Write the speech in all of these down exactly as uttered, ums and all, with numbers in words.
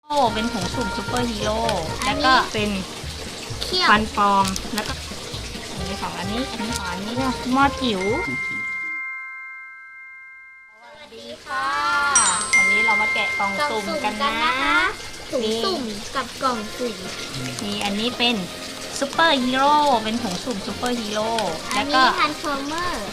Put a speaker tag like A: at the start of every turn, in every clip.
A: โอ้เป็นผงสุ่มซูเปอร์ฮีโร่แล้วก็เป็นฟันปลอมแล้วก็อันนี้ของอันนี้อันนี้ของอันนี้นะหม้อจิ๋วสวัสดีค่ะวันนี้เรามาแกะกล่องสุ่มกันนะ
B: ถุงสุ่มกับกล่องสุ่ม
A: นี่อันนี้เป็นซูเปอร์ฮีโร่เป็นผงสุ่มซูเปอร์ฮีโร่
B: อั
A: แล้
B: น
A: วก็
B: นี้ทันฟอร์เมอร์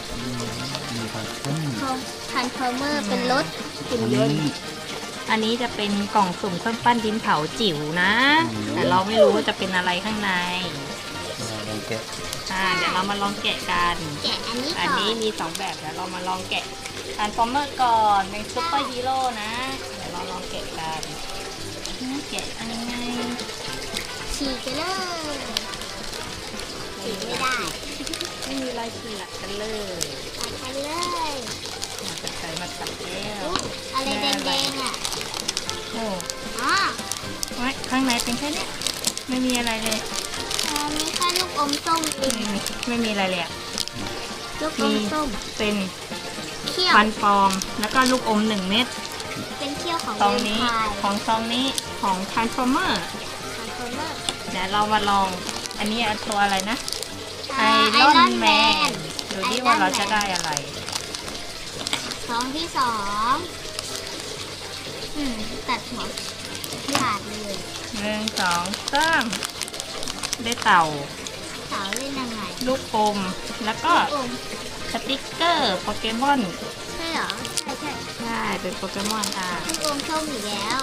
B: ทันฟอร์เมอร์เป็นรถหุ่นยนต์
A: อันนี้จะเป็นกล่องสุ่มเครื่องปั้นดินเผาจิ๋วนะแต่เราไม่รู้ว่าจะเป็นอะไรข้างใน
C: ลองแกะ
A: อ่าเดี๋ยวเรามาลองแกะกัน
B: แกะอันนี้ก่อน
A: อันนี้มีสองแบบเดี๋ยวเรามาลองแกะทรานส์ฟอร์เมอร์ก่อนเป็นซุปเปอร์ฮีโร่นะเดี๋ยวเราลองแกะกันแกะยังไง
B: ฉีกไปเลยฉีกไม่ได้
A: ไม่มีรอยฉีกกันเลย
B: ตัดกันเลย
A: มาตัดใส่มาตัดแล้ว
B: อะไรแดงๆอ่ะ
A: โอ้
B: อ๋อ
A: ไว้ข้างในเป็นแค่นี้ไม่มีอะไรเลย
B: มีแค่ลูกอมส้มเอง
A: ไม่มีอะไรเลยอะ
B: ลูกอมส้ม
A: เป็น
B: เขี้ยว
A: ฟันปลอมแล้วก็ลูกอมหนึ่งเม็ด
B: เป็นเขี้ยวของ
A: ซองนี้ของซองนี้ของทรานส์ฟอร์เมอร์เดี๋ยวเรามาลองอันนี้ตัวอะไรนะไอรอนแมนดูดิว่าเราจะได้อะไร
B: ซองที่สองอืมตัดหัวขาดเลย
A: หนึ่งสองสามได้เต่า
B: เต่าเล่นยังไง
A: ลูกอมแล้วก็สติ๊กเกอร์โปเกมอน
B: ใช่เหรอใช่ใช่
A: ใช่เป็นโปเกมอนอ่ะ
B: ลูกอมส้มอีกแล้ว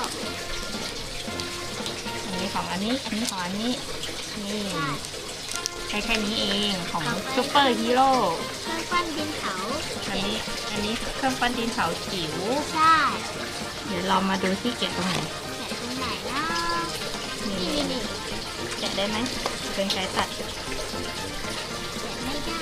A: อันนี้ของอันนี้อันนี้ของอันนี้นี่แค่แค่นี้เองของซูเปอร์ฮีโร่
B: เครื่องปั้นดินเผา
A: อันนี้อันนี้เครื่องปั้นดินเผาจิ๋ว
B: ใช่
A: เดี๋ยวเรามาดูที่แกะตรงไหน
B: แกะตรงไหนนะนี่นี่
A: แกะได้ไหมเป็นใช้ตัด
B: แกะไม่ได้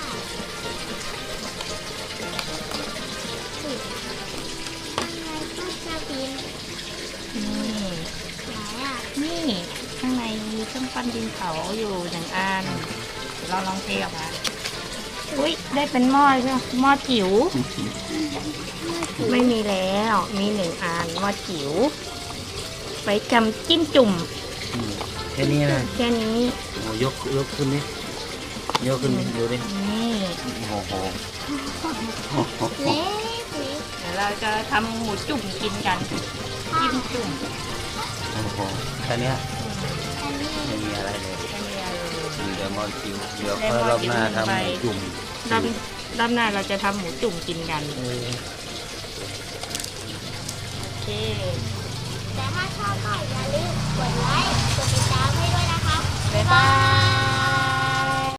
B: ข้างในก็จะบิน
A: นี่
B: ไหนอ่ะ
A: นี่ข้างในมีเครื่องปั้นดินเผาอยู่หนึ่งอันเราลองเทออกมาอุ้ยได้เป็นหม้อใช่ไหมหม้อจิ๋วไม่มีแล้วมีหนึ่งอันหม้อจิ๋วไว้จำจิ้มจุ่ม
C: แค่นี้นะ
A: แค่นี้
C: โอ้ยกยกขึ้นนี่ยกขึ้นดูดิ
A: นี่
C: โอ้โห
B: เล็ก
A: เดี๋ยวเราจะทำหมูจุ่มกินกันจิ้มจุ่ม
C: โอ้โหแค่นี้ไม่มีอะไรเลย
A: ไม่มีอะไรเลย
C: มีแต่มอจิ๋วเดี๋ยวค่อยรอบหน้าทำหมูจุ่ม
A: รอบรอบหน้าเราจะทำหมูจุ่มกินกันโอเค
B: แต่ถ้าชอบก็อย่า